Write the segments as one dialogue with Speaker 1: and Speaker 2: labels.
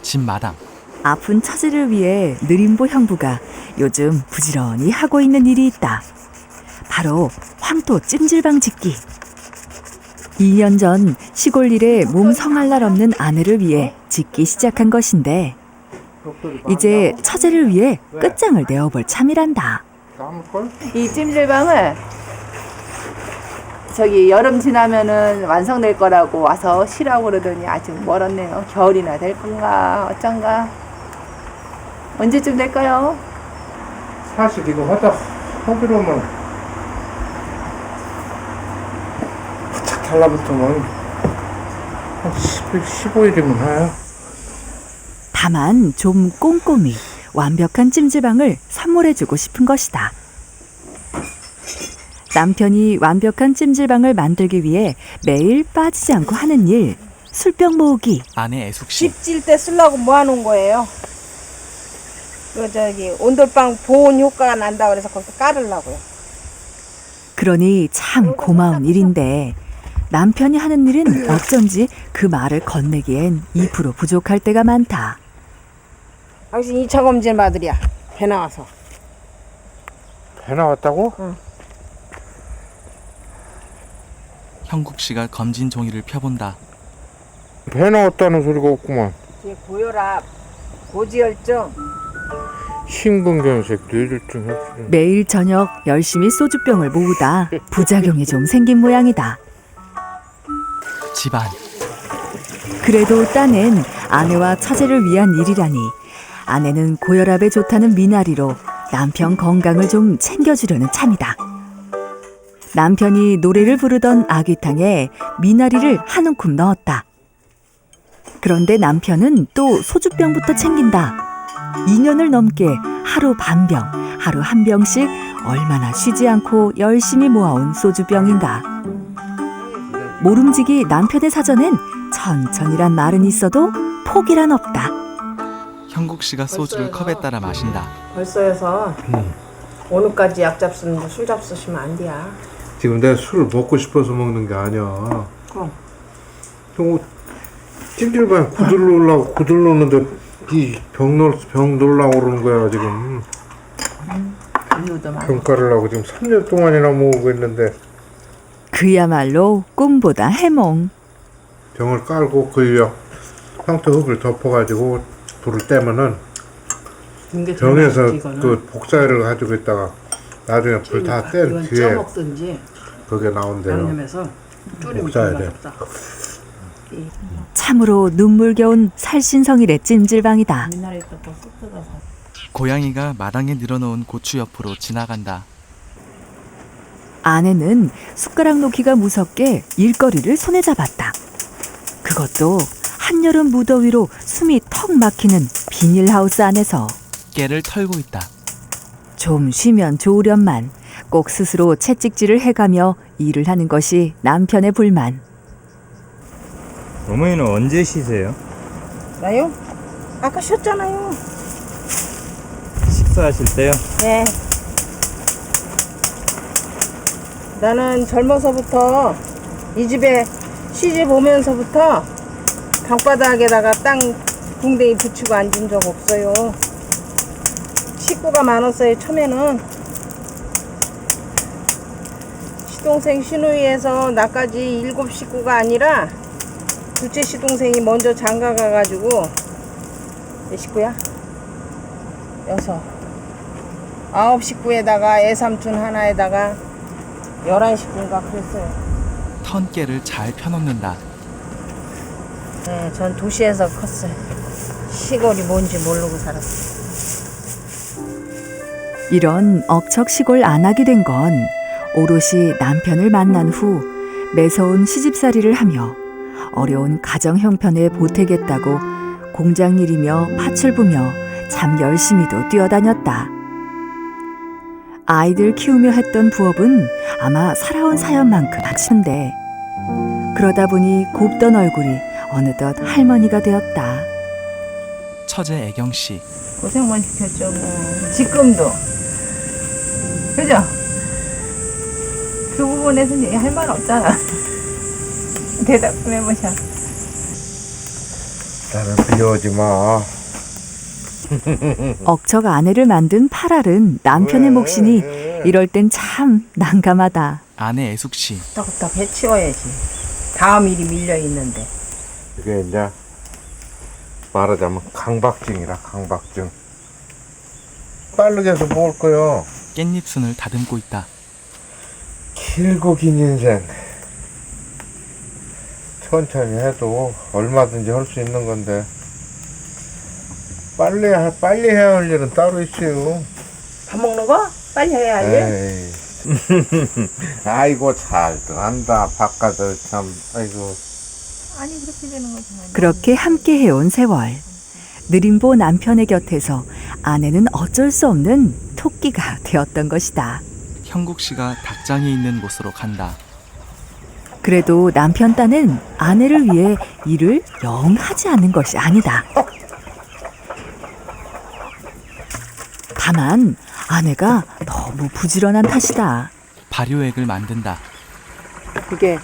Speaker 1: 집 마당.
Speaker 2: 아픈 처제를 위해 느림보 형부가 요즘 부지런히 하고 있는 일이 있다. 바로 황토 찜질방 짓기. 2년 전 시골 일에 몸 성할 날 없는 아내를 위해 짓기 시작한 것인데 이제 처제를 위해 끝장을 내어볼 참이란다.
Speaker 3: 이 찜질방을 저기 여름 지나면은 완성될 거라고 와서 쉬라고 그러더니 아직 멀었네요. 겨울이나 될 건가 어쩐가. 언제쯤 될까요?
Speaker 4: 사실 이거 하다 하기로 하면 부착 달라붙으면 한 10일, 15일이면 해요.
Speaker 2: 다만 좀 꼼꼼히 완벽한 찜질방을 선물해주고 싶은 것이다. 남편이 완벽한 찜질방을 만들기 위해 매일 빠지지 않고 하는 일, 술병 모으기.
Speaker 1: 아내 애숙씨.
Speaker 5: 집 질 때 쓰려고 모아놓은 거예요. 그 저기 온돌방 보온 효과가 난다 그래서 거기서 깔으려고요.
Speaker 2: 그러니 참 고마운 일인데 남편이 하는 일은 어쩐지 그 말을 건네기엔 2% 부족할 때가 많다.
Speaker 5: 당신 2차 검진 받으랴. 배 나와서.
Speaker 4: 배 나왔다고?
Speaker 5: 응.
Speaker 1: 형국 씨가 검진 종이를 펴본다.
Speaker 4: 배 나왔다는 소리가 없구만.
Speaker 5: 뒤에 고혈압, 고지혈증.
Speaker 4: 심근경색, 뇌졸중, 혈증.
Speaker 2: 매일 저녁 열심히 소주병을 모으다 부작용이 좀 생긴 모양이다.
Speaker 1: 집안.
Speaker 2: 그래도 딴엔 아내와 처제를 위한 일이라니 아내는 고혈압에 좋다는 미나리로 남편 건강을 좀 챙겨주려는 참이다. 남편이 노래를 부르던 아귀탕에 미나리를 한 움큼 넣었다. 그런데 남편은 또 소주병부터 챙긴다. 2년을 넘게 하루 반 병, 하루 한 병씩 얼마나 쉬지 않고 열심히 모아온 소주병인가. 모름지기 남편의 사전엔 천천히란 말은 있어도 포기란 없다.
Speaker 1: 형국 씨가 소주를 컵에 따라 마신다.
Speaker 5: 벌써여서 오늘까지 약 잡수는데 술 잡수시면 안 돼야.
Speaker 4: 지금 내가 술을 먹고 싶어서 먹는 게 아니야. 또 찜질방에 구들 놓는데 병 놀라고 그러는 거야 지금. 병가를 하고 지금 3년 동안이나 모으고 있는데
Speaker 2: 그야말로 꿈보다 해몽.
Speaker 4: 병을 깔고 그 위에 황토 흙을 덮어가지고 불을 떼면은 병에서 그 복사를 가지고 있다가 나중에 불 다 뗀 뒤에
Speaker 5: 먹든지
Speaker 4: 그게 나온대요.
Speaker 5: 양념해서
Speaker 4: 복사해야 돼.
Speaker 2: 참으로 눈물겨운 살신성일의 찜질방이다.
Speaker 1: 고양이가 마당에 늘어놓은 고추 옆으로 지나간다.
Speaker 2: 아내는 숟가락 놓기가 무섭게 일거리를 손에 잡았다. 그것도 한여름 무더위로 숨이 턱 막히는 비닐하우스 안에서.
Speaker 1: 깨를 털고 있다.
Speaker 2: 좀 쉬면 좋으련만 꼭 스스로 채찍질을 해가며 일을 하는 것이 남편의 불만.
Speaker 6: 어머니는 언제 쉬세요?
Speaker 5: 나요? 아까 쉬었잖아요.
Speaker 6: 식사하실 때요?
Speaker 5: 네. 나는 젊어서부터 이 집에 시집 오면서부터 방바닥에다가 땅 궁뎅이 붙이고 앉은 적 없어요. 식구가 많았어요. 처음에는 시동생 시누이에서 나까지 7 식구가 아니라 둘째 시동생이 먼저 장가 가가지고 몇 식구야? 6. 9 식구에다가 애삼촌 하나에다가 11 식구인가 그랬어요.
Speaker 1: 턴 깨를 잘 펴놓는다.
Speaker 5: 네, 전 도시에서 컸어요. 시골이 뭔지 모르고 살았어요.
Speaker 2: 이런 억척 시골 안 하게 된 건 오롯이 남편을 만난 후 매서운 시집살이를 하며 어려운 가정 형편에 보태겠다고 공장 일이며 팥을 부며 참 열심히도 뛰어다녔다. 아이들 키우며 했던 부업은 아마 살아온 사연만큼 하치는데 그러다 보니 곱던 얼굴이 어느덧 할머니가 되었다.
Speaker 1: 처제 애경 씨.
Speaker 3: 고생만 시켰죠 뭐. 지금도. 그죠? 그 부분에서는 할 말 없잖아. 대답 좀 해보셔.
Speaker 4: 나는 비오지 마.
Speaker 2: 억척 아내를 만든 팔알은 남편의 몫이니 이럴 땐 참 난감하다.
Speaker 1: 아내 애숙 씨.
Speaker 5: 끄떡끄떡 해치워야지. 다음 일이 밀려 있는데.
Speaker 4: 이게 이제 말하자면 강박증이라 강박증. 빠르게 해서 먹을 거요.
Speaker 1: 깻잎순을 다듬고 있다.
Speaker 4: 길고 긴 인생. 천천히 해도 얼마든지 할 수 있는 건데 빨리 해야 할 일은 따로 있어요.
Speaker 5: 밥 먹는 거? 빨리 해야 할 일?
Speaker 4: 에이. 아이고 잘도 한다. 바깥을 참. 아이고.
Speaker 5: 아니 그렇게 되는 거지.
Speaker 2: 그렇게 함께 해온 세월. 느림보 남편의 곁에서 아내는 어쩔 수 없는 토끼가 되었던 것이다.
Speaker 1: 형국 씨가 닭장이 있는 곳으로 간다.
Speaker 2: 그래도 남편 딴은 아내를 위해 일을 영 하지 않는 것이 아니다. 다만 아내가 너무 부지런한 탓이다.
Speaker 1: 발효액을 만든다.
Speaker 5: 그게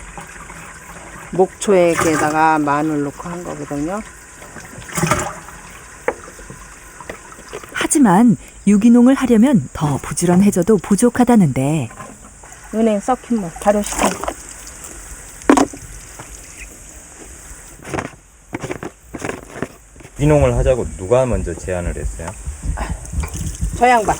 Speaker 5: 목초액에다가 마늘 넣고 한 거거든요.
Speaker 2: 하지만 유기농을 하려면 더 부지런해져도 부족하다는데
Speaker 5: 은행 썩힌 물 발효시켜.
Speaker 6: 유기농을 하자고 누가 먼저 제안을 했어요?
Speaker 5: 저 양반.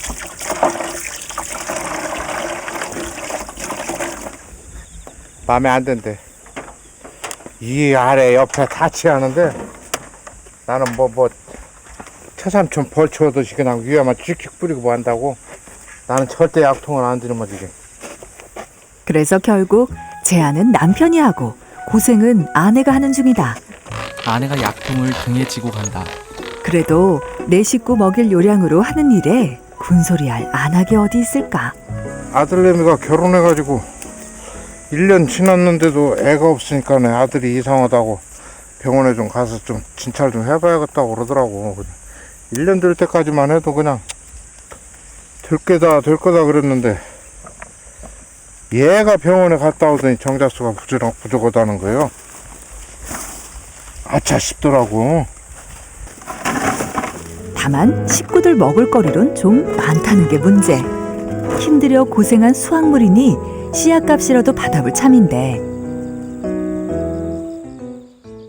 Speaker 4: 마음에 안 든대. 이 아래 옆에 다치 하는데 나는 뭐 처삼촌 벌초듯이 그냥 위에만 찍찍 뿌리고 뭐 한다고. 나는 절대 약통을 안 들으면 이게.
Speaker 2: 그래서 결국 제안은 남편이 하고 고생은 아내가 하는 중이다.
Speaker 1: 아내가 약통을 등에 지고 간다.
Speaker 2: 그래도 내 식구 먹일 요량으로 하는 일에 군소리할 안하게 어디 있을까?
Speaker 4: 아들내미가 결혼해가지고 1년 지났는데도 애가 없으니까 내 아들이 이상하다고 병원에 좀 가서 좀 진찰 좀 해봐야겠다고 그러더라고. 1년 될 때까지만 해도 그냥 될 거다 그랬는데 얘가 병원에 갔다 오더니 정자수가 부족하다는 거예요. 아차 싶더라고.
Speaker 2: 다만 식구들 먹을 거리론 좀 많다는 게 문제. 힘들여 고생한 수확물이니 씨앗값이라도 받아볼 참인데